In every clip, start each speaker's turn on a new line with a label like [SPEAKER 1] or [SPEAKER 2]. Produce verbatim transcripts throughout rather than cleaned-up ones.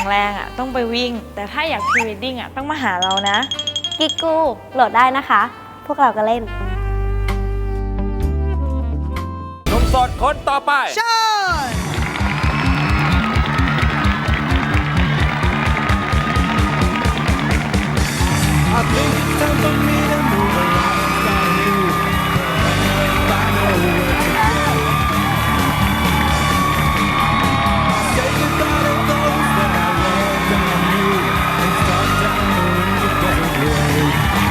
[SPEAKER 1] แรงอ่ะต้องไปวิ่งแต่ถ้าอยากพรีเวดดิ้งอ่ะต้องมาหาเรานะ
[SPEAKER 2] กิกกูโหลดได้นะคะ พวกเราก็เล่น
[SPEAKER 3] หนุ่มโสดคนต่อไป
[SPEAKER 4] เชิญI think it's time for me to move along without you. If I know where to go. Say goodbye to those that I loved and I knew, and start down the road together away.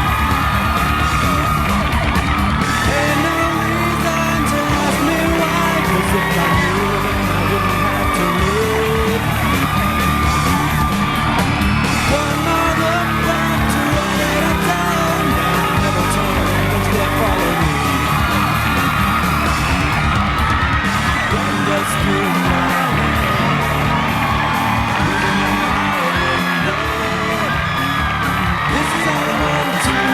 [SPEAKER 4] Ain't no reason to ask me why, 'cause if I knew, then I wouldn't have to live. One more look back to what it had done. Now I never turn and instead follow me. One just through my This is all I want to do.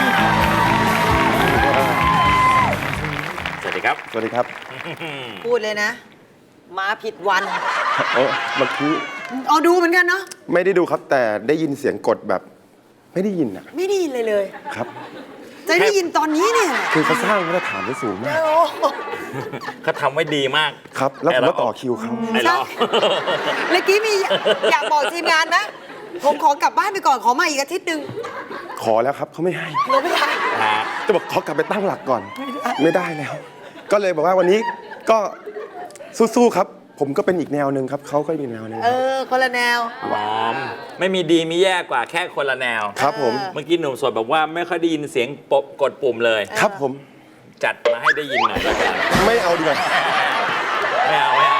[SPEAKER 3] สวัสดีครับ
[SPEAKER 5] สวัสดีครับ
[SPEAKER 4] พูดเลยนะ มาผิดวัน
[SPEAKER 5] โอ้เมื่อกี้
[SPEAKER 4] เอาดูเหมือนกันเนาะ
[SPEAKER 5] ไม่ได้ดูครับ แต่ได้ยินเสียงกดแบบไม่ได้ยินอะ
[SPEAKER 4] ไม่ได้ยินเลยเลย
[SPEAKER 5] ครับ
[SPEAKER 4] จะได้ยินตอนนี้เนี่ย
[SPEAKER 5] คือเขาสร้างมาตรฐานไว้สูงมาก
[SPEAKER 4] โอ้โห
[SPEAKER 3] เขาทำไว้ดีมาก
[SPEAKER 5] ครับ แล้วผมก็ต่อคิวเขา
[SPEAKER 3] ไอ้เรา
[SPEAKER 4] เมื่อกี้มีอยากบอกทีมงานนะ ผมขอกลับบ้านไปก่อนขอมาอีกอาทิตย์หนึ่ง
[SPEAKER 5] ขอแล้วครับเขาไม่ให้
[SPEAKER 4] เราไม่ได้
[SPEAKER 5] จะบอกขอกลับไปตั้งหลักก่อน ไม่ได้แล้ว ก็เลยบอกว่าวันนี้ก็สู้ๆครับ ผมก็เป็นอีกแนวหนึ่งครับเขาก็อีกแนวหนึ่ง
[SPEAKER 4] เออคนละแนว
[SPEAKER 3] หอมไม่มีดีมีแย่กว่าแค่คนละแนว
[SPEAKER 5] ครับผม
[SPEAKER 3] เมื่อกี้หนุ่มโสดบอกว่าไม่ค่อยได้ยินเสียงปบกดปุ่มเลย
[SPEAKER 5] ครับผม
[SPEAKER 3] จัดมาให้ได้ยินหน่อยแล้วกัน
[SPEAKER 5] ไม่เอาดีกว่า
[SPEAKER 3] ไม่เอาไม่เอา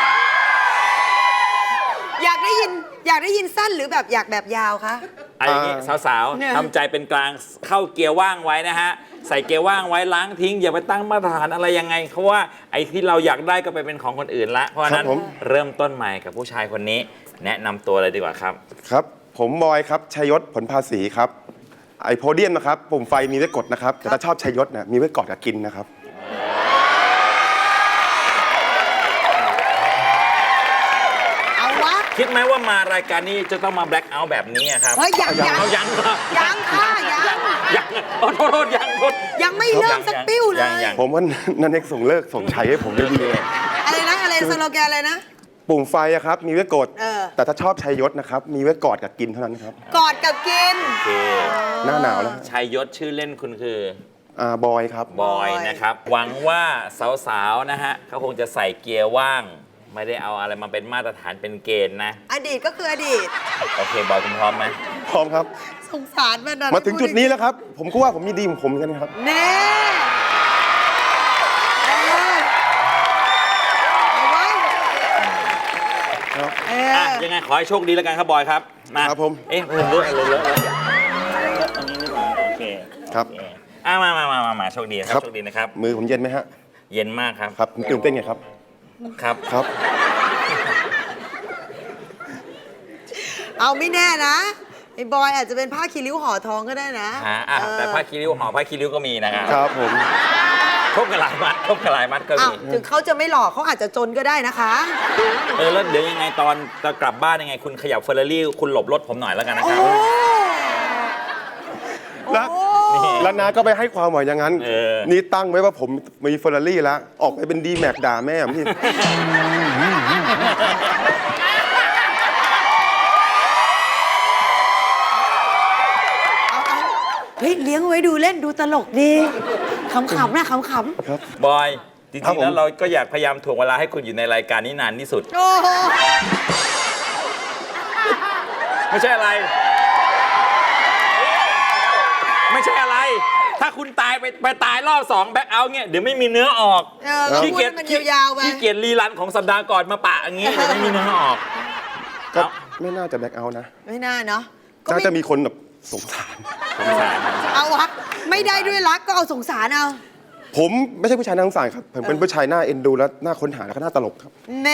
[SPEAKER 4] อยากได้ยินอยากได้ยินสั้นหรือแบบอยากแบบยาวคะ
[SPEAKER 3] ไอ้อย่างงี้สาว
[SPEAKER 4] เนี่ย
[SPEAKER 3] ๆทำใจเป็นกลางเข้าเกียร์ว่างไว้นะฮะใส่เกียร์ว่างไว้ล้างทิ้งอย่าไปตั้งมาตรฐานอะไรยังไงเพราะว่าไอ้ที่เราอยากได้ก็ไปเป็นของคนอื่นละเพราะฉะนั้นเริ่มต้นใหม่กับผู้ชายคนนี้ แนะนำตัวเลยดีกว่าครับ
[SPEAKER 5] ครับ ผมบอยครับชัยยศผลภาษีครับ ไอโพเดียมนะครับปุ่มไฟมีไว้กดนะครับ แต่ถ้าชอบชัยยศเนี่ยมีไว้กอดกับกินนะครับ
[SPEAKER 4] เอาวะ
[SPEAKER 3] คิดไหมว่ามารายการนี้จะต้องมาแบล็คเอาท์แบบนี้อะครับ
[SPEAKER 4] เฮ้ยยังยัง
[SPEAKER 3] เอายังเหรอ
[SPEAKER 4] ยังค่ะยัง
[SPEAKER 3] ยังโอ้โทษโทษยังโทษ
[SPEAKER 4] ยังไม่เริ่มสักปิ้วเล
[SPEAKER 3] ยัง
[SPEAKER 4] ย
[SPEAKER 3] ยัง
[SPEAKER 5] ผมว่านันเอกส่งเลิกส่งชัยให้ผมได้ดีเลย
[SPEAKER 4] อะไรนะอะไรสโลแกนอะไรนะ
[SPEAKER 5] ปุ่มไฟอะครับมีไว้กด
[SPEAKER 4] เออ
[SPEAKER 5] แต่ถ้าชอบชัยยศนะครับมีไว้กอดกับกินเท่านั้นครับ
[SPEAKER 4] กอดกับกิน
[SPEAKER 3] โอเค
[SPEAKER 5] หน้าหนาวแล้ว
[SPEAKER 3] ชัยยศชื่อเล่นคุณคือ
[SPEAKER 5] อ่าบอยครับ
[SPEAKER 3] บอยนะครับ หวังว่าสาวๆนะฮะเขาคงจะใส่เกียร์ว่าง ไม่ได้เอาอะไรมาเป็นมาตรฐานเป็นเกณฑ์นะ
[SPEAKER 4] อดีตก็คืออดีต
[SPEAKER 3] โอเคบอยคุณพร้อมไหม
[SPEAKER 5] พร้อมครับ
[SPEAKER 4] สงสารมันนะ
[SPEAKER 5] มาถึงจุดนี้แล้วครับ ผมก็ว่าผมมีดีของผมเหมือนกันครับ
[SPEAKER 4] แน่เออเอาไว้เอ
[SPEAKER 3] อ่ะ
[SPEAKER 4] อ
[SPEAKER 3] ยังไงขอให้โชคดีแล้วกันครับบอยครับมา
[SPEAKER 5] ครับผม
[SPEAKER 3] เอ๊ะเพิ่มเลอะเลอะเลอะเลอะอันนี้ดีกว่าโอเค
[SPEAKER 5] ครับ
[SPEAKER 3] โอเคอ่ะมามามามามาโชคดีนะครับโชคดีนะครับ
[SPEAKER 5] มือผมเย็นไหมฮะ
[SPEAKER 3] เย็นมากครับ
[SPEAKER 5] ครับผมตื่นเต้นไงครับ
[SPEAKER 3] ครับ
[SPEAKER 5] ครับ
[SPEAKER 4] เอาไม่แน่นะไอ้บอยอาจจะเป็นผ้าคีริ้วห่อทองก็ได้นะ
[SPEAKER 3] ฮะอ่ะ
[SPEAKER 4] เออ
[SPEAKER 3] แต่ผ้าคีริ้วห่อผ้าคีริ้วก็มีนะครับ
[SPEAKER 5] ครับผม
[SPEAKER 3] ครบกันหลายมัดครบกันหลายมัดก็
[SPEAKER 4] อ้าว
[SPEAKER 3] มี
[SPEAKER 4] ถึงเขาจะไม่หล่อเขาอาจจะจนก็ได้นะคะ
[SPEAKER 3] เออแล้วเดี๋ยวยังไงตอนจะกลับบ้านยังไงคุณขยับเฟอร์รารี่คุณหลบรถผมหน่อยแล้วกันนะ
[SPEAKER 4] โอ้
[SPEAKER 3] ครับ
[SPEAKER 5] แล้ว
[SPEAKER 4] โอ้
[SPEAKER 5] แล้วน้าก็ไปให้ความหมายอย่างนั้น
[SPEAKER 3] เออ
[SPEAKER 5] นี่ตั้งไว้ว่าผมมีเฟอร์รารี่แล้ว ออกไปเป็นดีแม็กด่าแม่ผมที่
[SPEAKER 4] เอาเอาเฮ้ยเลี้ยงไว้ดูเล่นดูตลกดีขำๆนะขำ
[SPEAKER 5] ครับ
[SPEAKER 3] บอยจริ
[SPEAKER 5] ครับ
[SPEAKER 3] ง
[SPEAKER 5] ผ
[SPEAKER 3] ๆ
[SPEAKER 5] ม
[SPEAKER 3] แล้วเราก็อยากพยายามถ่วงเวลาให้คุณอยู่ในรายการนี้นานที่สุด
[SPEAKER 4] ๆโอ้โห
[SPEAKER 3] ไม่ใช่อะไร ไม่ใช่อะไร ถ้าคุณตายไปไปตายรอบสองแบ็คเอาท์เนี่ยเดี๋ยวไม่มีเนื้อออก
[SPEAKER 4] เออก็พูดให้มันยาวๆไป
[SPEAKER 3] ขี้เกียจรีรันของสัปดาห์ก่อนมาปะอย่างงี้เดี๋ยวไม่มีเนื้อออก
[SPEAKER 5] ก็
[SPEAKER 3] เอา
[SPEAKER 5] ไม่น่าจะแบ็คเอาท์นะ
[SPEAKER 4] ไม่น่าเนาะก็
[SPEAKER 5] น่า
[SPEAKER 4] ไม่
[SPEAKER 5] จะมีคนแบบสงสาร
[SPEAKER 3] สงสาร
[SPEAKER 4] เอาวะไม่ได้ด้วยรักก็เอาสงสารเอา
[SPEAKER 5] ผมไม่ใช่ผู้ชายน่าสงสารครับ ผมเป็นผู้ชายหน้าเอ็นดูและหน้าค้นหาแล้วก็หน้าตลกครับ
[SPEAKER 4] แน่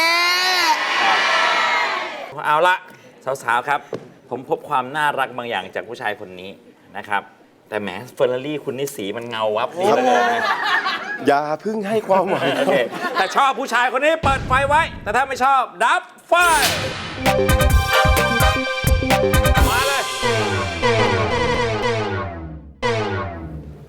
[SPEAKER 3] เอาละสาวๆครับ ผมพบความน่ารักบางอย่างจากผู้ชายคนนี้นะครับ แต่แหมเฟอร์รารี่คุณนี่สีมันเงาวับดีเหลยนะ
[SPEAKER 5] อย่าเพึ่งให้ความหวัง
[SPEAKER 3] โอเคแต่ชอบผู้ชายคนนี้เปิดไฟไว้ แต่ถ้าไม่ชอบดับไฟ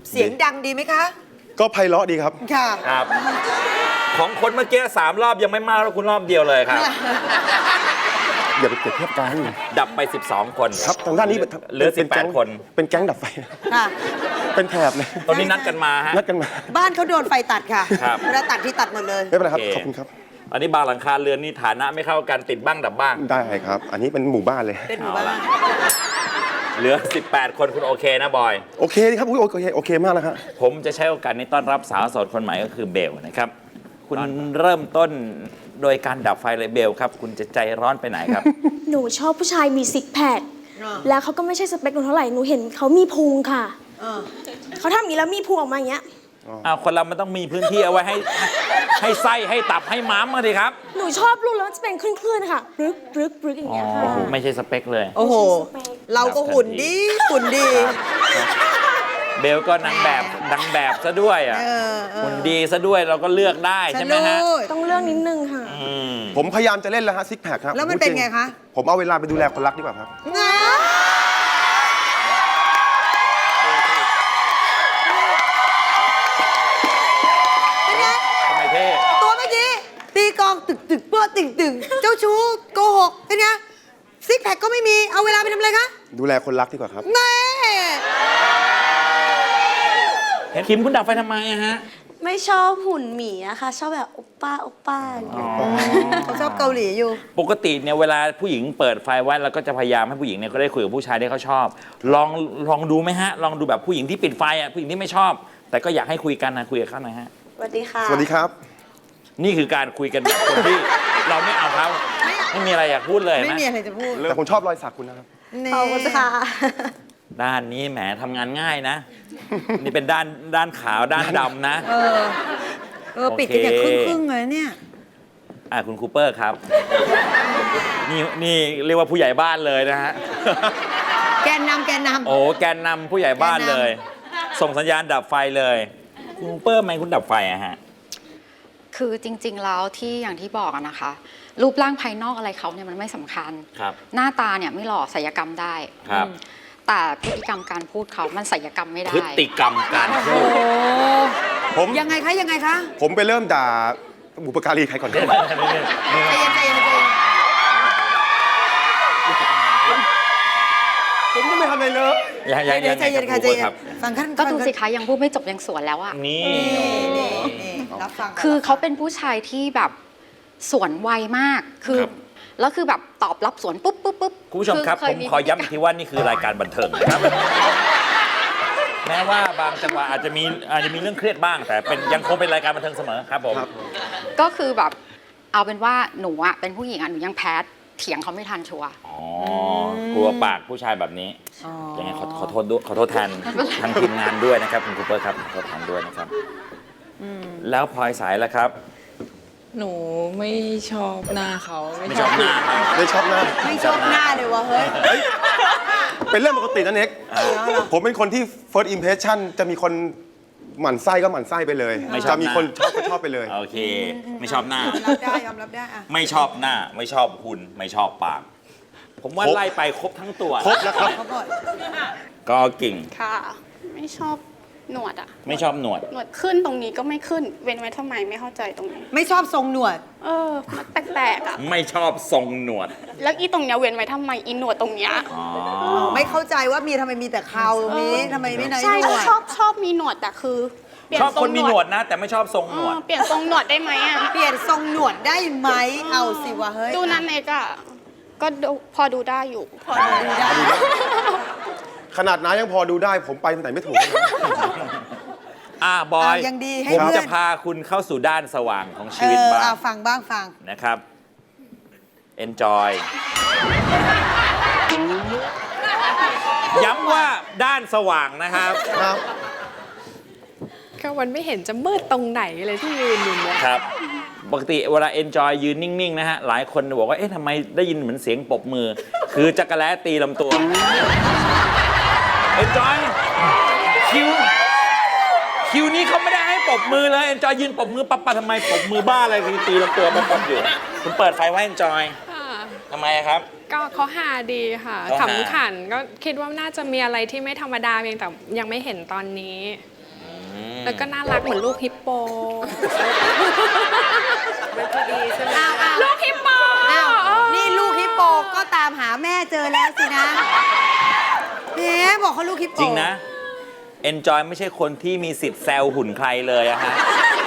[SPEAKER 6] เสียงดังดีไหมคะ
[SPEAKER 5] ก็ไพเราะดีครับ
[SPEAKER 6] ค่ะ
[SPEAKER 3] ครับ ของคนเมื่อกี้สามรอบยังไม่มากแล้วคุณรอบเดียวเลยครับ
[SPEAKER 5] อย่าไปเปรียบเทียบกัน
[SPEAKER 3] ดับไป สิบสอง คน
[SPEAKER 5] ครับทางด้านนี้
[SPEAKER 3] เหลือ
[SPEAKER 5] เป็น
[SPEAKER 3] สิบแปด
[SPEAKER 5] ก๊ง
[SPEAKER 3] คน
[SPEAKER 5] เป็นแก๊งดับไฟ
[SPEAKER 6] ค่ะ
[SPEAKER 5] เป็นแถบเลย
[SPEAKER 3] ตอนนี้นัดกันมาฮะ
[SPEAKER 5] นัดกันมา
[SPEAKER 6] บ้านเขาโดนไฟตัดค่ะ
[SPEAKER 3] ครับ
[SPEAKER 6] เวลาตัดที่ตัดหมดเลย
[SPEAKER 5] ไม่เป็นไรครับ
[SPEAKER 3] โอเค
[SPEAKER 5] ขอบคุณครับ
[SPEAKER 3] อันนี้บางหลังคาเรือนนี่ฐานะไม่เข้ากันติดบ้างดับบ้าง
[SPEAKER 5] ได้ครับ อันนี้เป็นหมู่บ้านเลย
[SPEAKER 6] เป็นหมู่บ้าน
[SPEAKER 3] เอาล่ะ เหลือ สิบแปด คนคุณโอเคนะบอย
[SPEAKER 5] โอเคดีครับอุ๊ยโอเคโอเคมากแล้วครับ
[SPEAKER 3] ผมจะใช้โอกาสนี้ต้อนรับสาวโสดคนใหม่ก็คือเบลนะครับ คุณเริ่มต้นโดยการดับไฟเลยเบลครับ คุณจะใจร้อนไปไหนครับ
[SPEAKER 7] หนูชอบผู้ชายมีซิกแพค
[SPEAKER 6] อ่า
[SPEAKER 7] แล้วเขาก็ไม่ใช่สเปคหนูเท่าไหร่ หนูเห็นเขามีพุงค่ะ
[SPEAKER 6] เออ
[SPEAKER 7] เขาทำอย่างนี้แล้วมีพุงออกมาอย่างเงี้ย
[SPEAKER 3] อ้าวคนเรามันต้องมีพื้นที่เอาไว้ให้ให้ไส้ให้ตับให้ม้ามมาดิครับ
[SPEAKER 7] หนูชอบรูปแล้วมันจะเป็นคลื่นๆค่ะปรึกปรึกปรึกอย่าง
[SPEAKER 3] อ๋อ
[SPEAKER 7] เงี้ยค่ะ
[SPEAKER 3] ไม่ใช่สเปคเลย
[SPEAKER 6] โอ้โห เราก็หุ่นดีหุ่นดี
[SPEAKER 3] เบลก็นางแบบนางแบบซะด้วยอ่ะ
[SPEAKER 6] เออเออ
[SPEAKER 3] หุ่นดีซะด้วยเราก็เลือกได้
[SPEAKER 6] ฉั
[SPEAKER 3] ใช่
[SPEAKER 6] น
[SPEAKER 3] ไหมฮะ
[SPEAKER 6] รู้
[SPEAKER 7] ต้องเลือกนิดนึงค่ะ
[SPEAKER 3] อืม
[SPEAKER 5] ผมพยายามจะเล่นแล้วฮะซิกแพคครับ
[SPEAKER 6] แล้วมันเป็นไงคะ
[SPEAKER 5] ผมเอาเวลาไปดูแลคนรักดีกว่าครับ
[SPEAKER 6] งา
[SPEAKER 3] ทำไมเท่
[SPEAKER 6] ตัวเมื่อกี้ตีกลองตึกตึกเปื้อตึงตึงเจ้าชู้โกหกเป็นไงซิกแพคก็ไม่มีเอาเวลาไปทำอะไรคะ
[SPEAKER 5] ดูแลคนรักดีกว่าครับ
[SPEAKER 6] แน่
[SPEAKER 3] เห็นคิมคุณดับไฟทำไมอะฮะ
[SPEAKER 2] ไม่ชอบหุ่นหมีนะคะ ชอบแบบโอป้าโอป้าอย่างเงี้ย
[SPEAKER 6] เขาชอบเกาหลีอยู่
[SPEAKER 3] ปกติเนี่ยเวลาผู้หญิงเปิดไฟไว้เราก็จะพยายามให้ผู้หญิงเนี่ยก็ได้คุยกับผู้ชายที่เขาชอบ ลองลองดูไหมฮะ ลองดูแบบผู้หญิงที่ปิดไฟอ่ะผู้หญิงที่ไม่ชอบ แต่ก็อยากให้คุยกันนะคุยกับเขาหน่อยฮะ
[SPEAKER 2] สวัสดีค่ะ
[SPEAKER 5] สวัสดีครับ
[SPEAKER 3] นี่คือการคุยกันแบบคนที่ เราไม่เอาเขาไม่มีอะไรอยากพูดเลย
[SPEAKER 6] ไม่
[SPEAKER 3] นะ
[SPEAKER 6] มีอะไรจะพูด
[SPEAKER 5] แต่ผมชอบรอยสักคุณนะครับ
[SPEAKER 6] นี่
[SPEAKER 2] ขอบคุณค่ะ
[SPEAKER 3] ด้านนี้แหมทำงานง่ายนะ นี่เป็นด้านด้านขาวด้านดำนะ
[SPEAKER 6] เออเออปิดกันอย่างค
[SPEAKER 3] โอ
[SPEAKER 6] รึ่ง
[SPEAKER 3] เค
[SPEAKER 6] ครึ่งๆเลยเนี่ย
[SPEAKER 3] อ่ะคุณคูเปอร์ครับ นี่นี่เรียกว่าผู้ใหญ่บ้านเลยนะฮะ
[SPEAKER 6] แกนนำแกนนำ
[SPEAKER 3] โอ้แกนนำผู้ใหญ่บ้านเลย ส่งสัญญาณดับไฟเลยคุณคูเปอร์ทำไมคุณดับไฟอะฮะ
[SPEAKER 8] คือจริงๆ แล้วที่อย่างที่บอกอะนะคะ รูปร่างภายนอกอะไรเขาเนี่ยมันไม่สำคัญ
[SPEAKER 3] ครับ
[SPEAKER 8] หน้าตาเนี่ยไม่หล่อศัลยกรรมได้
[SPEAKER 3] ครับ
[SPEAKER 8] อืมแต่พฤติกรรมการพูดเขามันศัลยกรรมไม่ได้
[SPEAKER 3] พฤติกรรมการพูด
[SPEAKER 5] ผม
[SPEAKER 6] ยังไงคะยังไงคะ
[SPEAKER 5] ผมไปเริ่มด่าบุปการีใครก่อนดีกว่า
[SPEAKER 6] ใจเย็นใจเย็นใจเย็น
[SPEAKER 5] ผมยังไม่ทำอะไรเลย
[SPEAKER 3] ยังยังยัง
[SPEAKER 6] ใจเย็นค่ะใจเย็น
[SPEAKER 3] ครับ
[SPEAKER 6] ฟังขั้น
[SPEAKER 8] ก็ดูสิ
[SPEAKER 6] ฟัง
[SPEAKER 8] คะยังพูดไม่จบยังสวนแล้วอะ
[SPEAKER 3] นี่
[SPEAKER 6] นี่นี่รับฟังะ
[SPEAKER 8] คือเขา
[SPEAKER 6] รับฟัง
[SPEAKER 8] เป็นผู้ชายที่แบบสวนไวมากคือ
[SPEAKER 3] ครับ
[SPEAKER 8] แล้วคือแบบตอบรับสวนปุ๊บปุ๊บปุ๊บ
[SPEAKER 3] คุณผู้ชมครับ
[SPEAKER 8] เ
[SPEAKER 3] ผมขอย้ำอีกทีว่านี่คือรายการบันเทิงนะครับ แม้ว่าบางจังหวะอาจจะมีอาจจะมีเรื่องเครียดบ้าง แต่เป็นยังคงเป็นรายการบันเทิงเสมอครับผม
[SPEAKER 8] ก็คือแบบเอาเป็นว่าหนูอะเป็นผู้หญิงอะหนูยังแพ้เถียงเขาไม่ทันชัวร์
[SPEAKER 3] อ๋อกลัวปากผู้ชายแบบนี้
[SPEAKER 6] อ๋อ
[SPEAKER 3] ยังไงขอขอโทษด้วยขอโทษแทนทางทีมงานด้วยนะครับคุณคูเปอร์ครับขอโทษแทนด้วยนะครับ แล้วพลอยสายแล้วครับ
[SPEAKER 9] หนูไม่ชอบหน้าเขา
[SPEAKER 3] ไม่ชอบหน้าครับ
[SPEAKER 5] ไม่ชอบหน้า
[SPEAKER 6] ไม่ชอบหน้าเลยวะเฮ้ย
[SPEAKER 5] เป็นเรื่องปกตินะเน็ก
[SPEAKER 3] อ่า
[SPEAKER 5] ผมเป็นคนที่ first impression จะมีคนหมั่นไส้ก็หมั่นไส้ไปเลย
[SPEAKER 3] ไม่ชอบ
[SPEAKER 5] จะมีคนชอบก็ชอบไปเลย
[SPEAKER 3] โอเค ไม่ชอบหน้า
[SPEAKER 6] ยอมรับได้ยอมรับได้อะ
[SPEAKER 3] ไม่ชอบหน้า ไม่ชอบหุ่นไม่ชอบปาก ผมว่า
[SPEAKER 5] ครบ
[SPEAKER 3] ไล่ไปครบทั้งตัว
[SPEAKER 5] ครบแล้วครับ
[SPEAKER 6] เขาบอก
[SPEAKER 3] ก็กิ่ง
[SPEAKER 10] ค่ะ ไม่ชอบหนวดอะ
[SPEAKER 3] ไม่ชอบหนวด
[SPEAKER 10] หนวดขึ้นตรงนี้ก็ไม่ขึ้น เว้นไว้ทำไมไม่เข้าใจตรงนี้
[SPEAKER 6] ไม่ชอบทรงหนวด
[SPEAKER 10] เออ มันแปลกๆอะ
[SPEAKER 3] ไม่ชอบทรงหนวด
[SPEAKER 10] แล้วอีตรงเนี้ยเว้นไว้ทำไมอีหนวดตรงเนี้ย
[SPEAKER 3] อ๋อ
[SPEAKER 6] ไม่เข้าใจว่ามีทำไมมีแต่เขาตรงนี้ทำไมไม่ไหน
[SPEAKER 10] ใช่
[SPEAKER 6] หนวด
[SPEAKER 10] ชอบชอบมีหนวดแต่คือเปลี่ย
[SPEAKER 3] ชอบ
[SPEAKER 10] ทรง
[SPEAKER 3] คนมีหนวดนะ แต่ไม่ชอบทรง
[SPEAKER 10] เอ
[SPEAKER 3] หนว
[SPEAKER 10] อ
[SPEAKER 3] ด
[SPEAKER 10] เปลี่ยนทรงหนวดได้ไหมอะ
[SPEAKER 6] เปลี่ยนทรงหนวดได้ไหมเอาสิวะเฮ้ย
[SPEAKER 10] ดูนั้นเอกอะก็ดูพอดูได้อยู่
[SPEAKER 6] พอดูได้
[SPEAKER 5] ขนาดน้ายังพอดูได้ ผมไปทางไหนไม่ถูกเลย
[SPEAKER 3] อ่าบอย
[SPEAKER 6] อ่ะยังดีให้
[SPEAKER 3] ผม
[SPEAKER 6] เพื่อน
[SPEAKER 3] จะพาคุณเข้าสู่ด้านสว่างของ
[SPEAKER 6] เอ
[SPEAKER 3] ชีวิต
[SPEAKER 6] อ
[SPEAKER 3] บ้าง
[SPEAKER 6] เอาฟังบ้างฟัง
[SPEAKER 3] นะครับ enjoy ย้ำว่าด้านสว่างนะครับ
[SPEAKER 5] ครับ
[SPEAKER 9] ก็มันไม่เห็นจะมืดตรงไหนเลยที่ยืนอยู่เนี่ย
[SPEAKER 3] ครับ ปกติเวลา enjoy ยืนนิ่ง ๆ นะฮะ หลายคนบอกว่า เอ๊ะทำไมได้ยินเหมือนเสียงปรบมือ คือจักรแล้ตีลำตัว enjoy คิว คิวนี้เขาไม่ได้ให้ปรบมือเลย enjoy ยืนปรบมือปั๊บปะทำไมปรบมือบ้าอะไรคือตีลำตัวปั๊บๆอยู่ คุณเปิดไฟไว้ enjoy ทำไมอะครับ
[SPEAKER 9] ก็เขาหาดีค่ะ
[SPEAKER 3] เขาหา
[SPEAKER 9] ขำขันก็คิดว่าน่าจะมีอะไรที่ไม่ธรรมดาเพียงแต่ยังไม่เห็นตอนนี้แล้วก็น่ารักเหมือนลูกฮิปโป
[SPEAKER 6] อ้าวอ้าว
[SPEAKER 9] ลูกฮิปโป
[SPEAKER 6] อ้าวนี่ลูกฮิปโปก็ตามหาแม่เจอแล้วสินะแหมบอกเขาลูกฮิปโป
[SPEAKER 3] จริงนะ Enjoy ไม่ใช่คนที่มีสิทธิ์แซวหุ่นใครเลยอะฮะ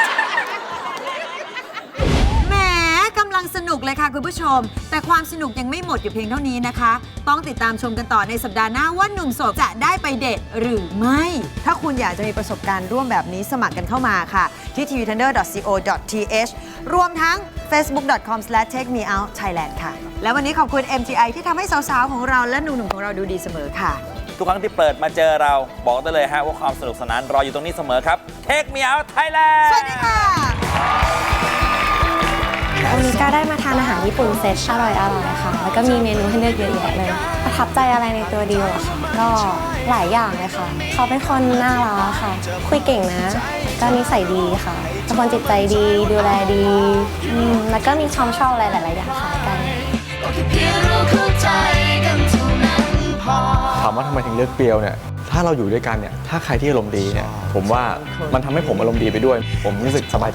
[SPEAKER 6] แหมกำลังสนุกเลยค่ะคุณผู้ชม แต่ความสนุกยังไม่หมดอยู่เพียงเท่านี้นะคะ ต้องติดตามชมกันต่อในสัปดาห์หน้าว่าหนุ่มโสดจะได้ไปเดทหรือไม่ ถ้าคุณอยากจะมีประสบการณ์ร่วมแบบนี้สมัครกันเข้ามาค่ะ ที่ ที วี ทันเดอร์ ดอท ซี โอ ดอท ที เอช รวมทั้ง เฟซบุ๊ก ดอท คอม สแลช เทค มี เอาท์ ไทยแลนด์ ค่ะ และวันนี้ขอบคุณ เอ็ม ที ไอ ที่ทำให้สาวๆของเราและหนุ่มๆของเราดูดีเสมอค่ะ
[SPEAKER 3] ทุกครั้งที่เปิดมาเจอเราบอกได้เลยฮะว่าความสนุกสนานรออยู่ตรงนี้เสมอครับ Take Me Out Thailand
[SPEAKER 6] สวัสดีค่ะ
[SPEAKER 2] วันนี้ก็ได้มาทานอาหารญี่ปุ่นเซตอร่อยอร่อยค่ะ แล้วก็มีเมนูให้เลือกเยอะแยะเลย ประทับใจอะไรในตัวดิวอะค่ะ ก็หลายอย่างเลยค่ะ เขาเป็นคนน่ารักค่ะ คุยเก่งนะ ก็นิสัยดีค่ะเป็นคนจิตใจดี ดูแลดีอืมแล้วก็มีความชอบอะไรหลาย ๆ อย่างคล้ายกัน
[SPEAKER 11] ถามว่าทำไมถึงเลือกเปรียวเนี่ย ถ้าเราอยู่ด้วยกันเนี่ย ถ้าใครที่อารมณ์ดีเนี่ย ผมว่ามันทำให้ผมอารมณ์ดีไปด้วย ผมรู้สึกสบายใจ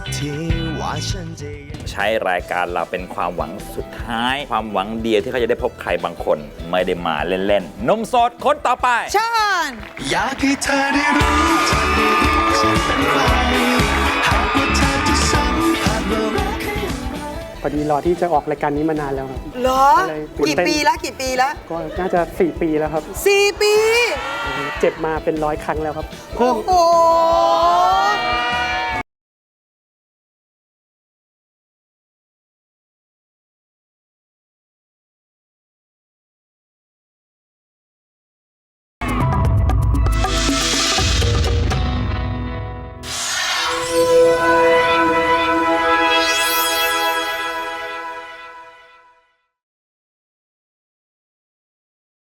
[SPEAKER 3] ใช้รายการเราเป็นความหวังสุดท้าย ความหวังเดียวที่เขาจะได้พบใครบางคน ไม่ได้มาเล่นๆหนุ่มโสดคนต่อไป
[SPEAKER 6] เชิญ
[SPEAKER 4] อยากให้เธอได้รู้เธอได้รู้ฉันเป็นใครหากว่าเธอจะสัมผัสว่ารัก
[SPEAKER 12] พอดีรอที่จะออกรายการนี้มานานแล้วครับ
[SPEAKER 6] เหรอ
[SPEAKER 12] ก็เลยตื่น
[SPEAKER 6] กี่
[SPEAKER 12] เต้น
[SPEAKER 6] ปีแล้วกี่ปีแล้ว
[SPEAKER 12] ก็น่าจะสี่ปีแล้วครับ
[SPEAKER 6] สี่ปี
[SPEAKER 12] เจ็บมาเป็นร้อยครั้งแล้วครับ
[SPEAKER 6] โอ้
[SPEAKER 12] เพิ่ม
[SPEAKER 6] โห